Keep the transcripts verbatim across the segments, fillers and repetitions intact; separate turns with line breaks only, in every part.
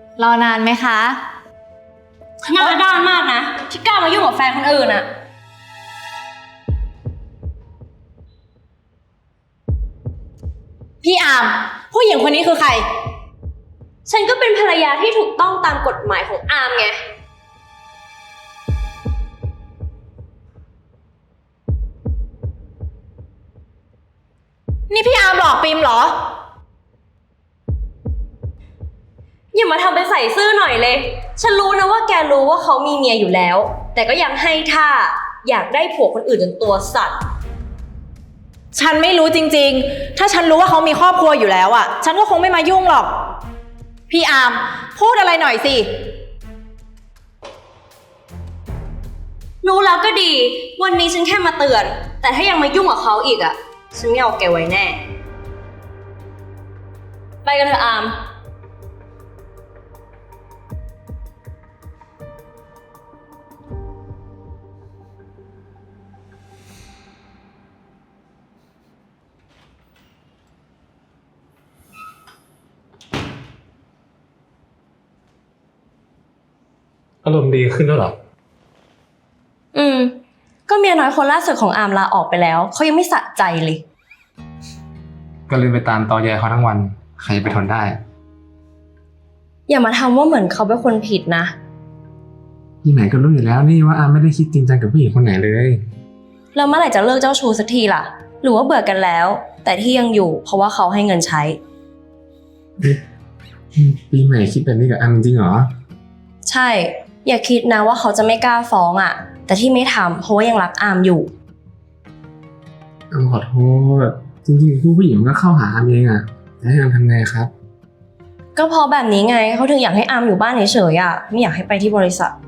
รอนานไหมคะ
หน้าด้านมากนะที่กล้ามายุ่งกับแฟนคนอื่นอะ
พี่อาร์มผู้หญิงคนนี้คือใคร
ฉันก็เป็นภรรยาที่ถูกต้องตามกฎหมายของอาร์มไง
นี่พี่อาร์มหลอกปิมเหรอ
อย่ามาทำเป็นใส่ซื่อหน่อยเลย ฉันรู้นะว่าแกรู้ว่าเขามีเมียอยู่แล้ว แต่ก็ยังให้ท่าอยากได้ผัวคนอื่นจนตัวสั่น
ฉันไม่รู้จริงๆถ้าฉันรู้ว่าเขามีครอบครัวอยู่แล้วอ่ะฉันก็คงไม่มายุ่งหรอกพี่อาร์มพูดอะไรหน่อยสิ
รู้แล้วก็ดีวันนี้ฉันแค่มาเตือนแต่ถ้ายังมายุ่งกับเขาอีกอ่ะฉันไม่เอาแกไว้แน่ไปกันเถอะอาร์ม
อารมณ์ดีขึ้นแล้วเหรอ
อืมก็เมียน้อยคนล่าสุดของอาร์มลาออกไปแล้วเขายังไม่สะใจเลย
ก็เลยไปตามตอแยเขาทั้งวันใครจะไปทนได้
อย่ามาทำว่าเหมือนเขาเป็นคนผิดนะ
ที่ไหนก็รู้อยู่แล้วนี่ว่าอาไม่ได้คิดจริงจังกับผู้หญิงคนไหนเลย
แล้วเมื่อไหร่จะเลิกเจ้าชู้สักทีล่ะหรือว่าเบื่อกันแล้วแต่ที่ยังอยู่เพราะว่าเขาให้เงินใช้
ปีใหม่คิดแบบนี้กับอาจริงเหรอ
ใช่อย่าคิดนะว่าเขาจะไม่กล้าฟ้องอ่ะแต่ที่ไม่ทำเพราะว่ายังรักอาร์มอยู่
อามขอโทษจริงๆผู้ผู้หญิงมันก็เข้าหาอามเองอ่ะจะให้อามทำไงครับ
ก็เพราะแบบนี้ไงเขาถึงอยากให้อาร์มอยู่บ้านเฉยๆอ่ะไม่อยากให้ไปที่บริษัท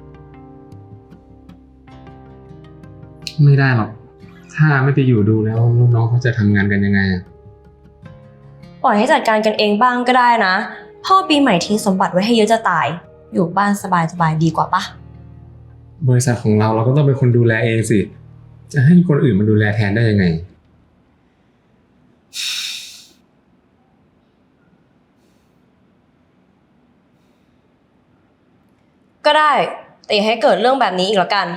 ไม่ได้หรอกถ้าไม่ไปอยู่ดูแล้วลูกน้องเขาจะทำงานกันยังไง
ปล่อยให้จัดการกันเองบ้างก็ได้นะพ่อปีใหม่ทิ้งสมบัติไว้ให้เยอะจะตายอยู่บ้านสบายๆดีกว่าปะ
บริษัทของเราเราก็ต้องเป็นคนดูแลเองสิจะให้คนอื่นมาดูแลแทนได้ยังไง
ก็ได้แต่อย่าให้เกิดเรื่องแบบนี้อีกแล้วกัน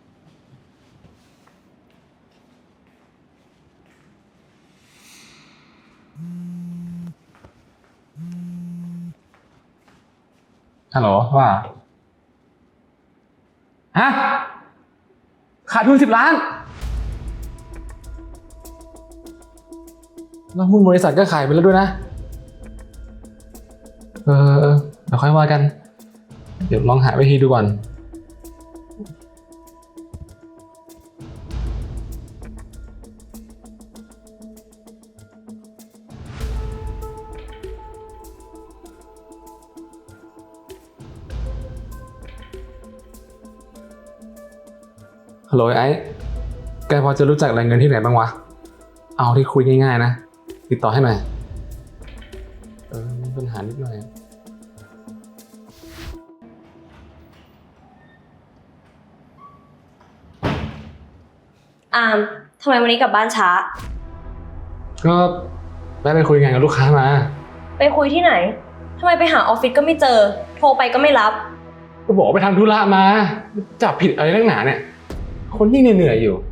ฮัลโหลว่าฮะขาดทุนสิบล้านแล้วหุ้นบริษัทก็ขายไปแล้วด้วยนะเออเออเดี๋ยวค่อยว่ากันเดี๋ยวลองหาวิธีดูก่อนฮัลโหลไอ้แกพอจะรู้จักแหล่งเงินที่ไหนบ้างวะเอาที่คุยง่ายๆนะติดต่อให้หน่อยเออมีปัญหานิดหน่อย
อาร์มทำไมวันนี้กลับบ้านช้า
ก็แม่ไปคุยงานกับลูกค้ามา
ไปคุยที่ไหนทำไมไปหาออฟฟิศก็ไม่เจอโทรไปก็ไม่รับ
ก็บอกไปทำธุระมาจับผิดอะไรนักหนาเนี่ยคนยิ่งเหนื่อยอยู่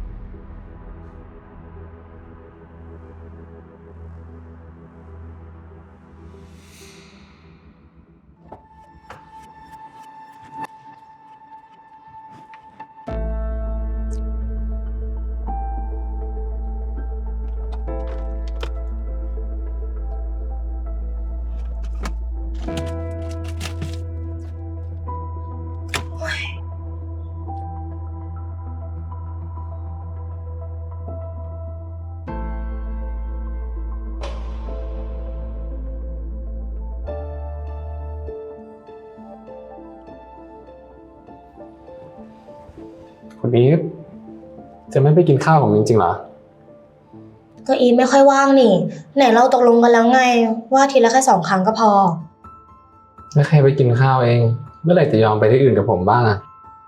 คนนี้จะไม่ไปกินข้าวของจริงๆเหรอ
ก็อีฟไม่ค่อยว่างนี่ไหนเราตกลงกันแล้วไงว่าทีละแค่สองครั้งก็พอ
แล้วใครไปกินข้าวเองเมื่อไหร่จะยอมไปที่อื่นกับผมบ้างอะ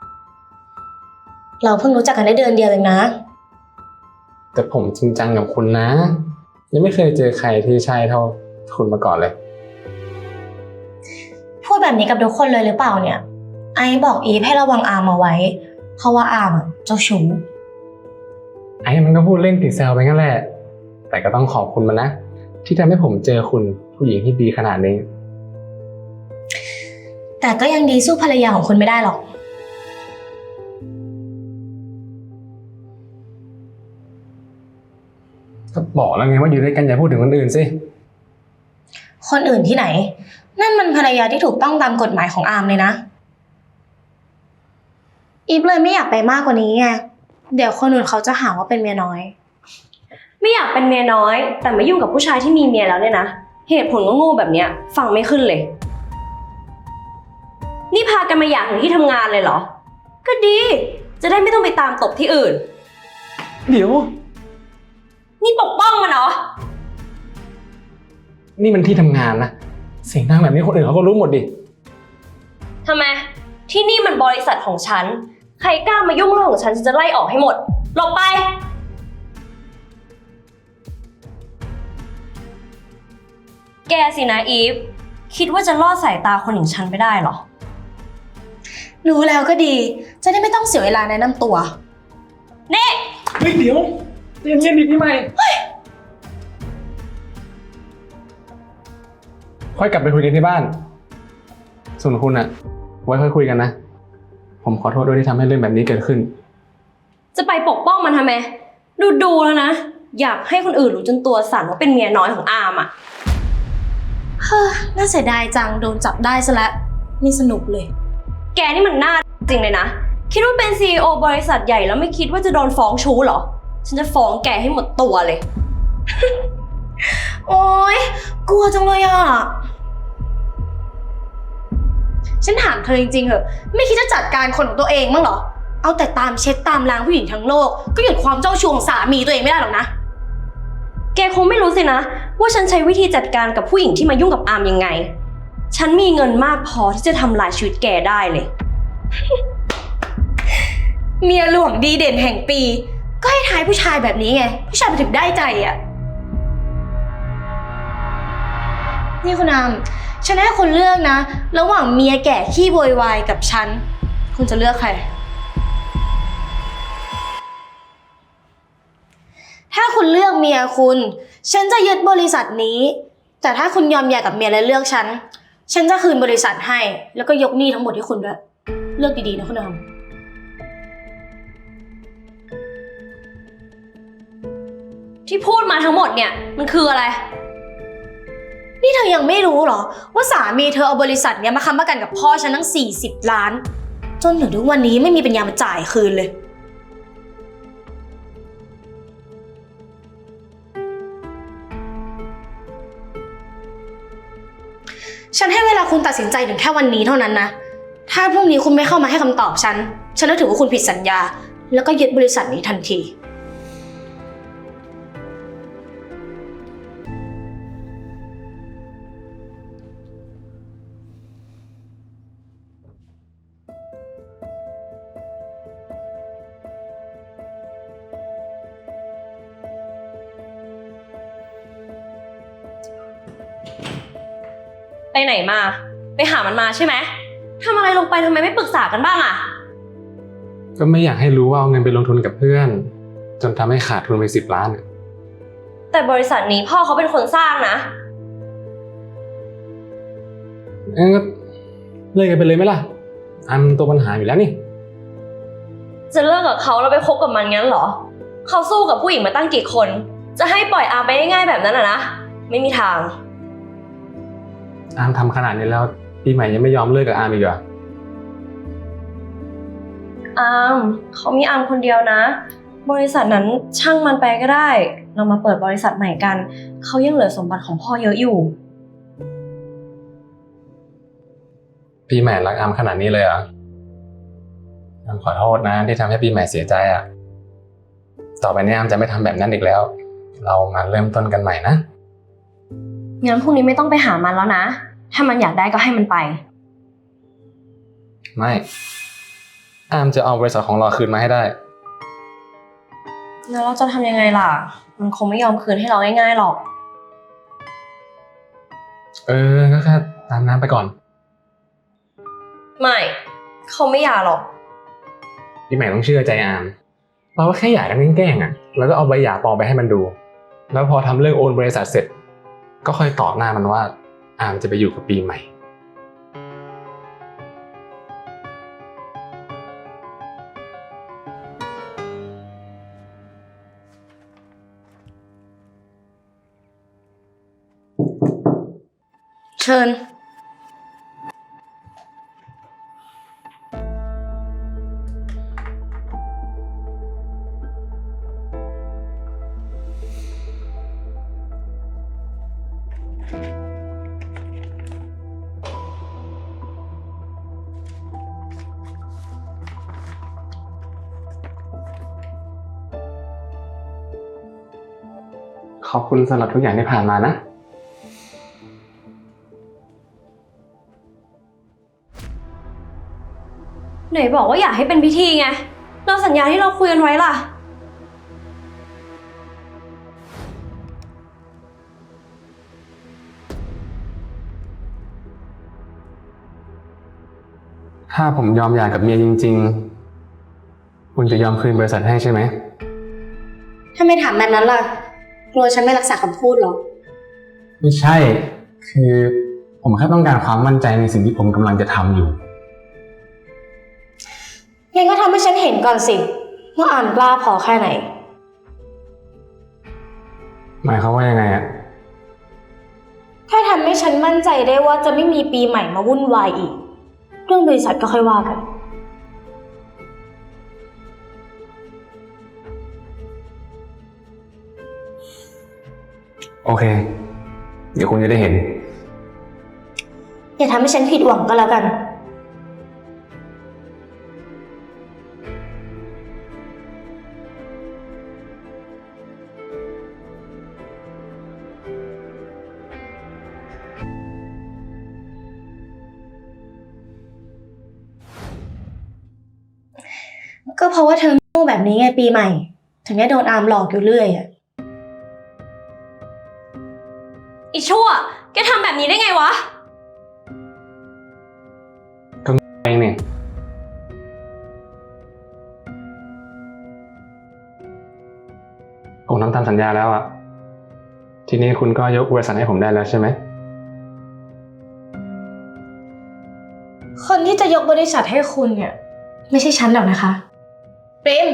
เราเพิ่งรู้จักกันได้เดือนเดียวเองนะ
แต่ผมจริงจังกับคุณนะยังไม่เคยเจอใครที่ใช่เท่าคุณมาก่อนเลย
พูดแบบนี้กับทุกคนเลยหรือเปล่าเนี่ย ไอซ์บอกอีฟให้ระวังอาร์มเอาไว้ เพราะว่าอาร์มอะเจ้าชู้
ไอ้มันก็พูดเล่นติดแซวไปงั้นแหละ แต่ก็ต้องขอบคุณมันนะ ที่ทำให้ผมเจอคุณผู้หญิงที่ดีขนาดนี้
แต่ก็ยังดีสู้ภรรยาของคุณไม่ได้หรอก
ก็บอกแล้วไงว่าอยู่ด้วยกันอย่าพูดถึงคนอื่นสิ
คนอื่นที่ไหน นั่นมันภรรยาที่ถูกต้องตามกฎหมายของอาร์มเลยนะ อีฟเลยไม่อยากไปมากกว่านี้ไง เดี๋ยวคนอื่นเขาจะหาว่าเป็นเมียน้อย
ไม่อยากเป็นเมียน้อย แต่มายุ่งกับผู้ชายที่มีเมียแล้วเนี่ยนะ เหตุผลก็โง่แบบเนี้ยฟังไม่ขึ้นเลย นี่พากันมาอยากถึงที่ทำงานเลยเหรอ ก็ดี จะได้ไม่ต้องไปตามตบที่อื่น
เดี๋ยว
นี่ปกป้องมันเหรอ
นี่มันที่ทำงานนะ เสียงดังแบบนี้คนอื่นเขาก็รู้หมดดิ
ทำไม ที่นี่มันบริษัทของฉัน ใครกล้ามายุ่งเรื่องของฉันฉันจะไล่ออกให้หมด หลบไป แกสินะอีฟ คิดว่าจะลอดสายตาคนอย่างฉันไปได้เหรอ
รู้แล้วก็ดี จะได้ไม่ต้องเสียเวลาแนะนำตัว
เน่
เฮ้ยเดี๋ยวเย็นเย็นดิพี่ใหม่ค่อยกลับไปคุยกันที่บ้าน ส่วนคุณอะไว้ค่อยคุยกันนะ ผมขอโทษด้วยที่ทำให้เรื่องแบบนี้เกิดขึ้น
จะไปปกป้องมันทำไม ดูดูแล้วนะ อยากให้คนอื่นรู้จนตัวสั่นว่าเป็นเมียน้อยของอามอ่ะ
เฮ้อน่าเสียดายจังโดนจับได้ซะแล้วไม่สนุกเลย
แกนี่มันน่าจริงเลยนะ คิดว่าเป็น ซี อี โอ บริษัทใหญ่แล้วไม่คิดว่าจะโดนฟ้องชู้เหรอ ฉันจะฟ้องแกให้หมดตัวเลย
โอ๊ย กลัวจังเลยอ่ะ ฉันถามเธอจริงๆเหอะ ไม่คิดจะจัดการคนของตัวเองมั้างเหรอ เอาแต่ตามเช็ดตามล้างผู้หญิงทั้งโลก ก็หยุดความเจ้าชู้ของสามีตัวเองไม่ได้หรอกนะ
แกคงไม่รู้สินะ ว่าฉันใช้วิธีจัดการกับผู้หญิงที่มายุ่งกับอามยังไง ฉันมีเงินมากพอที่จะทำลายชีวิตแกได้เลย
เมียหลวงดีเด่นแห่งปี ก็ให้ทายผู้ชายแบบนี้ไง ผู้ชายมันถึงได้ใจอ่ะ นี่คุณอามฉันให้คุณเลือกนะ ระหว่างเมียแก่ขี้โวยวายกับฉัน คุณจะเลือกใคร ถ้าคุณเลือกเมียคุณ ฉันจะยึดบริษัทนี้ แต่ถ้าคุณยอมหย่ากับเมียและเลือกฉัน ฉันจะคืนบริษัทให้ แล้วก็ยกหนี้ทั้งหมดให้คุณด้วย เลือกดีๆนะคุณอาม
ที่พูดมาทั้งหมดเนี่ยมันคืออะไร
นี่เธอยังไม่รู้เหรอว่าสามีเธอเอาบริษัทเนี้ยมาค้ำประกันกับพ่อฉันทั้งสี่สิบล้าน จนถึงทุกวันนี้ไม่มีปัญญามาจ่ายคืนเลย ฉันให้เวลาคุณตัดสินใจถึงแค่วันนี้เท่านั้นนะ ถ้าพรุ่งนี้คุณไม่เข้ามาให้คำตอบฉัน ฉันจะถือว่าคุณผิดสัญญา แล้วก็ยึดบริษัทนี้ทันที
ไปไหนมา ไปหามันมาใช่ไหมทำอะไรลงไปทำไมไม่ปรึกษากันบ้างอะ
ก็ไม่อยากให้รู้ว่าเอาเงินไปลงทุนกับเพื่อน จนทำให้ขาดทุนไปสิบล้านอะ
แต่บริษัทนี้พ่อเขาเป็นคนสร้างนะ
งั้นก็เลิกกันไปเลยไหมล่ะ อันตัวปัญหาอยู่แล้วนี่
จะเลิกกับเขาแล้วไปคบกับมันงั้นเหรอ เขาสู้กับผู้หญิงมาตั้งกี่คน จะให้ปล่อยอามไปง่ายๆแบบนั้นอะนะ ไม่มีทาง
อามทำขนาดนี้แล้วปีใหม่ยังไม่ยอมเลิกกับอามอีกเหรอ
อามเขามีอามคนเดียวนะ บริษัทนั้นช่างมันไปก็ได้ เรามาเปิดบริษัทใหม่กัน เขายังเหลือสมบัติของพ่อเยอะอยู่
ปีใหม่รักอามขนาดนี้เลยเหรออามขอโทษนะที่ทำให้ปีใหม่เสียใจอ่ะ ต่อไปนี้อามจะไม่ทำแบบนั้นอีกแล้ว เรามาเริ่มต้นกันใหม่นะ
งั้นพรุ่งนี้ไม่ต้องไปหามันแล้วนะ ถ้ามันอยากได้ก็ให้มันไป
ไม่ อามจะเอาบริษัทของเราคืนมาให้ได้
แล้วเราจะทำยังไงล่ะ มันคงไม่ยอมคืนให้เราง่ายๆหรอก
เออ ก็แค่ตามน้ำไปก่อน
ไม่เขาไม่หย่าหรอก
พี่ใหม่ต้องเชื่อใจอามเราก็แค่หย่ากันแกล้งๆอ่ะแล้วก็เอาใบหย่าปลอมไปให้มันดูแล้วพอทำเรื่องโอนบริษัทเสร็จก็ค่อยตอบหน้ามันว่าอามจะไปอยู่กับปีใหม่
เชิญ
ขอบคุณสำหรับทุกอย่างที่ผ่านมานะ
ไหนบอกว่าอยากให้เป็นพิธีไงเราสัญญาที่เราคุยกันไว้ล่ะ
ถ้าผมยอมหย่ากับเมียจริงๆคุณจะยอมคืนบริษัทให้ใช่ไหม
ถ้าไม่ถามแบบนั้นล่ะ กลัวฉันไม่รักษาคำพูดหรอ
ไม่ใช่ คือผมแค่ต้องการความมั่นใจในสิ่งที่ผมกำลังจะทำอยู่
งั้นก็ทำให้ฉันเห็นก่อนสิว่าอ่านกล้าพอแค่ไหน
หมายความว่ายังไงอะ
ถ้าทำให้ฉันมั่นใจได้ว่าจะไม่มีปีใหม่มาวุ่นวายอีก เรื่องบริษัทก็ค่อยว่ากัน
โอเค เดี๋ยวคุณจะได้เห็น
อย่าทำให้ฉันผิดหวังก็แล้วกัน ก็เพราะว่าเธอโง่แบบนี้ไงปีใหม่ ถึงได้โดนอามหลอกอยู่เรื่อยอะ
อีชั่วแกทำแบบนี้ได้ไงวะ
เองเนี่ยผมทำตามสัญญาแล้วอะทีนี้คุณก็ยกบริษัทให้ผมได้แล้วใช่ไหม
คนที่จะยกบริษัทให้คุณเนี่ย ไม่ใช่ฉันหรอกนะคะเปรม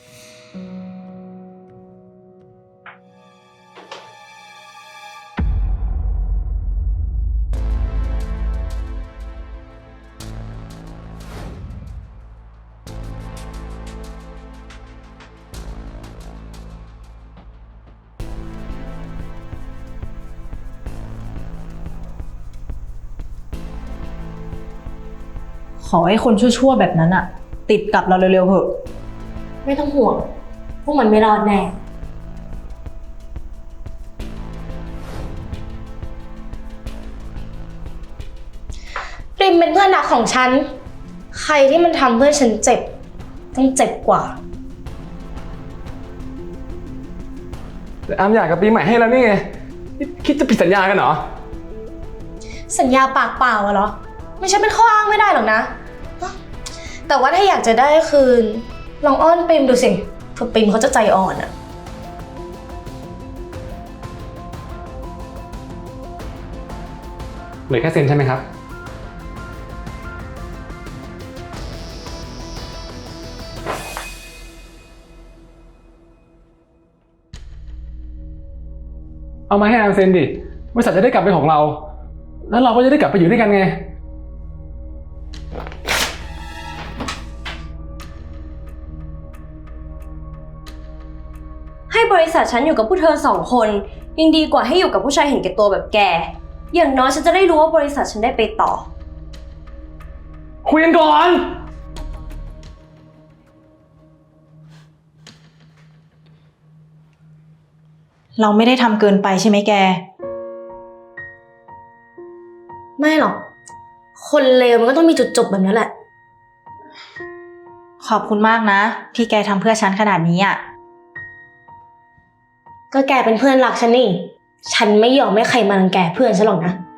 ขอให้คนชั่วๆแบบนั้นอะติดกับเราเร็วๆเถอะ
ไม่ต้องห่วง พวกมันไม่รอดแน่ ปริมเป็นเพื่อนรักของฉัน ใครที่มันทำเพื่อฉันเจ็บ ต้องเจ็บกว่า
แต่อามอยากกับปีใหม่ให้แล้วนี่ไงนี่คิดจะผิดสัญญากันเหรอ
สัญญาปากเปล่าอะเหรอ ไม่ใช่เป็นข้ออ้างไม่ได้หรอกนะ แต่ว่าถ้าอยากจะได้คืน ลองอ้อนปริมดูสิเผื่อปริมเขาจะใจอ่อนอะ
เหลือแค่เซ็นใช่ไหมครับ เอามาให้อามเซ็นดิบริษัทจะได้กลับเป็นของเรา แล้วเราก็จะได้กลับไปอยู่ด้วยกันไง
ให้บริษัทฉันอยู่กับผู้เธอสองคนยังดีกว่าให้อยู่กับผู้ชายเห็นแก่ตัวแบบแก อย่างน้อยฉันจะได้รู้ว่าบริษัทฉันได้ไปต่อ
คุยกันก่อน
เราไม่ได้ทำเกินไปใช่ไหมแก
ไม่หรอก คนเลวมันก็ต้องมีจุดจบแบบนี้แหละ
ขอบคุณมากนะ ที่แกทำเพื่อฉันขนาดนี้อะ
ก็แกเป็นเพื่อนรักฉันนี่ ฉันไม่ยอมให้ใครมารังแกเพื่อนฉันหรอกนะ